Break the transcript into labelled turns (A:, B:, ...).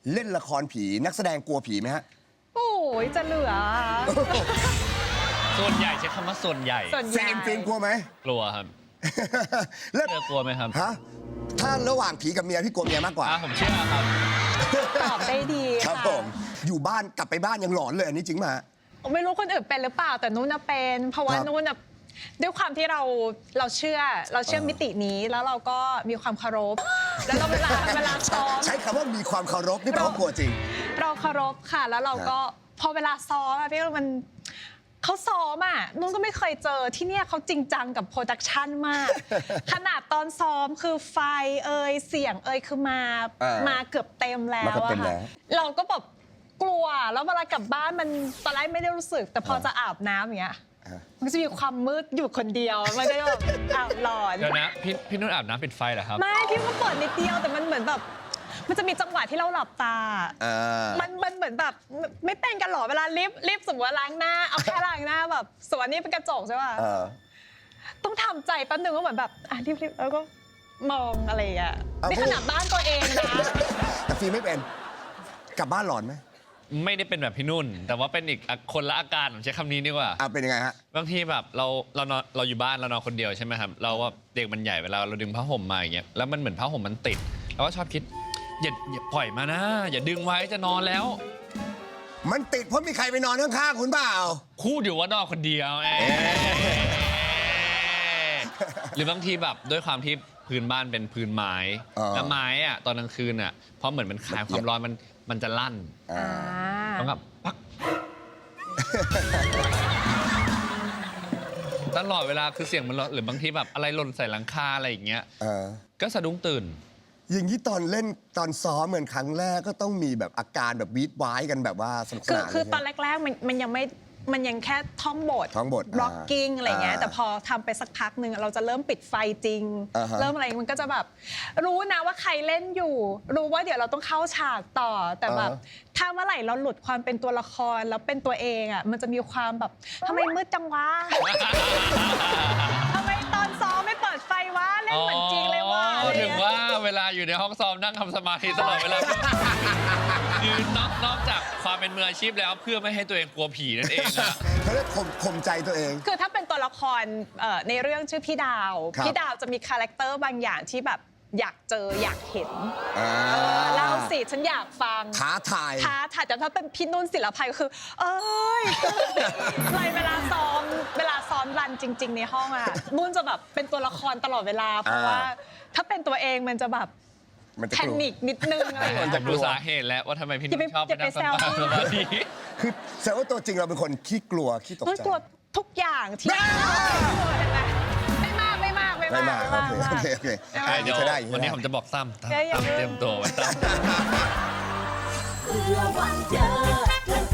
A: เล่นละครผีนักแสดงกลัวผีไหมฮะ
B: โอ้ยจะเหลือ
C: ส่วนใหญ่ใช้คำว่าส่วนใหญ่
B: ส่วนใหญ่
A: ฟิล์มกลัวไหม
C: กลัวครับ
A: แล้ว
C: เชื่อกลัวไหมครับ
A: ฮะถ้าระหว่างผีกับเมียพี่กลัวเมียมากกว่า
C: ผมเชื่อครับ
B: ตอบได้ดี
A: ครับ
B: ค่ะ
A: ผมอยู่บ้านกลับไปบ้านยังหลอนเลยอันนี้จริงมา
B: ไม่รู้คนอื่นเป็นหรือเปล่าแต่นุ่นน่ะเป็น เพราะว่า
A: ครับ
B: นุ่นน่ะด้วยความที่เราเชื่อมิตินี้แล้วเราก็มีความเคารพ แล้วเราเวลาซ้อม
A: ใช้คำว่ามีความเคารพนี่แปลว่ากลัวจริง
B: เราเคารพค่ะ แล้วเราก็พอเวลาซ้อมอะพี่มันเขาซ้อมอ่ะนุ่นก็ไม่เคยเจอที่เนี่ยเขาจริงจังกับโปรดักชันมาก ขนาดตอนซ้อมคือไฟเสียงคือมาเกือบเต็มแล้ว
A: มาเกือบ
B: อะ
A: เต็มแล้
B: ค่ะ
A: ว
B: เราก็แบบกลัวแล้วเวลากลับบ้านมันตอนแรกไม่ได้รู้สึก แต่พอจะอาบน้ำอย่างเงี้ยมันก็จะมีความมืดอยู่คนเดียวมันก็จะแบบหลอน
C: เดี๋ยวนะพี่นุ่นอาบน้ำปิดไฟเหรอครับ
B: ไม่พี่ก็เปิดนิดเดียวแต่มันเหมือนแบบมันจะมีจังหวะที่เราหลับตา มันเหมือนแบบไม่เป็นกันหรอเวลารีบสมมติว่าล้างหน้าเอาแค่ล้างหน้าแบบส่วนนี้เป็นกระจกใช่ป่ะต้องทำใจแป๊บนึงว่าเหมือนแบบรีบแล้วก็มองอะไรอย่างเงี้ยนี่ขนาดบ้านตัวเองนะ
A: แต่ฟิล์มไม่เป็นกลับบ้านหลอนไหม
C: ไม่ได้เป็นแบบพี่นุ่น แต่ว่าเป็นอีกคนละอาการผมใช้คำนี้ดีกว่า
A: เป็นยังไงฮะ
C: บางทีแบบเรานอนเราอยู่บ้านเรานอนคนเดียวใช่ไหมครับเราว่าเด็กมันใหญ่เวลาเราดึงผ้าห่มมาอย่างเงี้ยแล้วมันเหมือนผ้าห่มมันติดเราก็ชอบคิดอย่าปล่อยมานะอย่าดึงไว้จะนอนแล้ว
A: มันติดเพราะมีใครไปนอนข้างๆคุณเปล่า
C: คู่อยู่ว่านอนคนเดียวหรือบางทีแบบด้วยความที่พื้นบ้านเป็นพื้นไม้แล้วไม้อะตอนกลางคืนอะเพราะเหมือนมันคายความร้อนมันจะลั่นต้องแบบปักตลอดเวลาคือเสียงมันหรือบางทีแบบอะไรหล่นใส่หลังคาอะไรอย่างเงี้ยก็สะดุ้งตื่น
A: อย่างนี้ตอนเล่นตอนซ้อมเหมือนครั้งแรกก็ต้องมีแบบอาการแบบวีดว้ายกันแบบว่าสนุกสนาน
B: คือตอนแรกๆมันยังแค่ท่องบท blocking อะไรเงี้ยแต่พอทำไปสักพักหนึ่งเราจะเริ่มปิดไฟจริง เริ่มอะไรมันก็จะแบบรู้นะว่าใครเล่นอยู่ รู้ว่าเดี๋ยวเราต้องเข้าฉากต่อแต่แบบถ้าเมื่อไหร่เราหลุดความเป็นตัวละครแล้วเป็นตัวเองอ่ะมันจะมีความแบบทำไมมืดจังวะ ทำไมตอนซ้อมไม่เปิดไฟวะเล่นเหมือนจริงเลยว่ะ
C: พูดถึงว่าเวลาอยู่ในห้องซ้อมนั่งทำสมาธิตลอดเวลาคือนอกจากความเป็นมืออาชีพแล้วเพื่อไม่ให้ตัวเองกลัวผีนั่นเองอะ
A: เขาเรียกข่มใจตัวเอง
B: คือถ้าเป็นตัวละครในเรื่องชื่อพี่ดาว
A: ครับ
B: พี่ดาวจะมีคาแรคเตอร์บางอย่างที่แบบอยากเจออยากเห็นเล่าสิฉันอยากฟัง
A: ท้าทาย
B: แต่ถ้าเป็นพี่นุ่นศิลปัยก็คือ เอ้ยเลยเวลาซ้อมรันจริง ๆ ในห้องอะนุ่นจะแบบเป็นตัวละครตลอดเวลาเพราะว่าถ้าเป็นตัวเองมันจะแบบแพนิคนิดนึงอะไรอย่าง
C: ผ
B: เงี้
C: ม
B: ย
C: จะรู้สาเหตุแล้วว่าทำไมพี่นุ่นชอบไปนั่งสมาธิ
A: คือแสดงว่าตัวจริงเราเป็นคนขี้กลัวขี้ตก
B: นุ่น
A: ใจ
B: กลัวทุกอย่างที่ไม่มาก
A: ไม่มากโอเค
C: เดี๋ยว
A: ใช้ได้
C: วันนี้ผมจะบอกตั้มเตรียมตัวไว้ตั้ม
D: เพื่อวันเจอ